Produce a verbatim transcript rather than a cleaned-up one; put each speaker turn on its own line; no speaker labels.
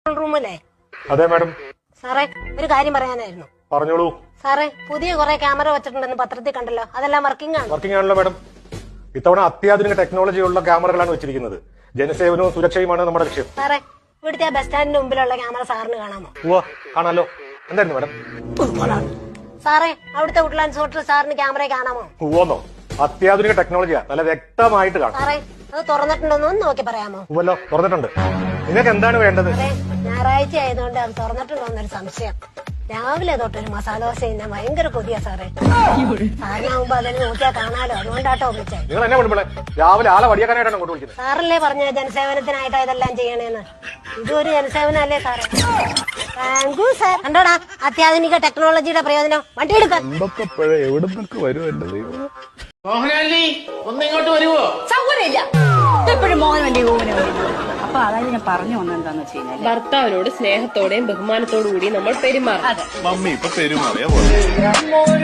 റൂമല്ലേ?
അതെ മാഡം.
സാറേ, ഒരു കാര്യം പറയാനായിരുന്നു.
പറഞ്ഞോളൂ.
സാറേ, പുതിയ കുറെ ക്യാമറ വെച്ചിട്ടുണ്ടെന്ന് പത്രത്തിൽ കണ്ടല്ലോ, അതെല്ലാം വർക്കിംഗ് ആണ്?
വർക്കിംഗ് ആണല്ലോ മാഡം. ഇത്തവണ അത്യാധുനിക ടെക്നോളജിയുള്ള ക്യാമറകളാണ് വെച്ചിരിക്കുന്നത്. ജനസേവനവും സുരക്ഷയുമാണ് നമ്മുടെ ലക്ഷ്യം.
സാറേ, ഇവിടുത്തെ ബസ് സ്റ്റാൻഡിന് മുമ്പിലുള്ള ക്യാമറ സാറിന് കാണാമോ?
ഉവ്വ, കാണാലോ. എന്തായിരുന്നു മാഡം?
സാറേ, അവിടുത്തെ വുഡ്ലാൻഡ്സ് ഹോട്ടൽ സാറിന് ക്യാമറ കാണാമോ?
ഉവ്വന്നോ? അത്യാധുനിക ടെക്നോളജിയാ, നല്ല വ്യക്തമായിട്ട് കാണാം.
സാറേ, അത് തുറന്നിട്ടുണ്ടോന്ന് ഒന്ന് നോക്കി പറയാമോ?
ഉവ്വല്ലോ, തുറന്നിട്ടുണ്ട്. നിങ്ങൾക്ക് എന്താണ് വേണ്ടത്?
അതെ, ഞായറാഴ്ച ആയതുകൊണ്ട് അത് തുറന്നിട്ടുണ്ടോന്നൊരു സംശയം. രാവിലെ തൊട്ടൊരു മസാല ദോശ തിന്നാൻ ഭയങ്കര കൊതിയാ സാറേ. സാറിനാവുമ്പോ അതിൽ നോക്കിയാൽ കാണാലോ, അതുകൊണ്ടാട്ടോ വിളിച്ചേ.
നിങ്ങൾ എന്നെ വിളിപ്പളെ രാവിലെ ആളെ വടിയാക്കാനായിട്ടാണ് അങ്ങോട്ട് വിളിക്കുന്നത്.
സാറല്ലേ പറഞ്ഞ ജനസേവനത്തിനായിട്ടാ ഇതെല്ലാം ചെയ്യണേന്ന്. ഇതൊരു ജനസേവനല്ലേ സാറേ? Thank you sir. കണ്ടോടാ അത്യാധുനിക ടെക്നോളജിയുടെ പ്രയോജനം. വണ്ടി എടുക്കാൻ
എവിടെ നിന്നൊക്കെ വരും എന്റെ ദൈവം.
മോഹനാലി ഒന്ന് ഇങ്ങോട്ട് വരുവോ?
സൗകര്യമില്ല, എപ്പോഴും മോഹൻ വേണ്ടി ഓമന വേണ്ടി. അപ്പൊ അതായത് ഞാൻ പറഞ്ഞു വന്നെന്താന്ന് വെച്ച് കഴിഞ്ഞാൽ
ഭർത്താവിനോട് സ്നേഹത്തോടെയും ബഹുമാനത്തോടു കൂടി നമ്മൾ പെരുമാറണം.
മമ്മി ഇപ്പൊ പെരുമാറിയ പോലെ.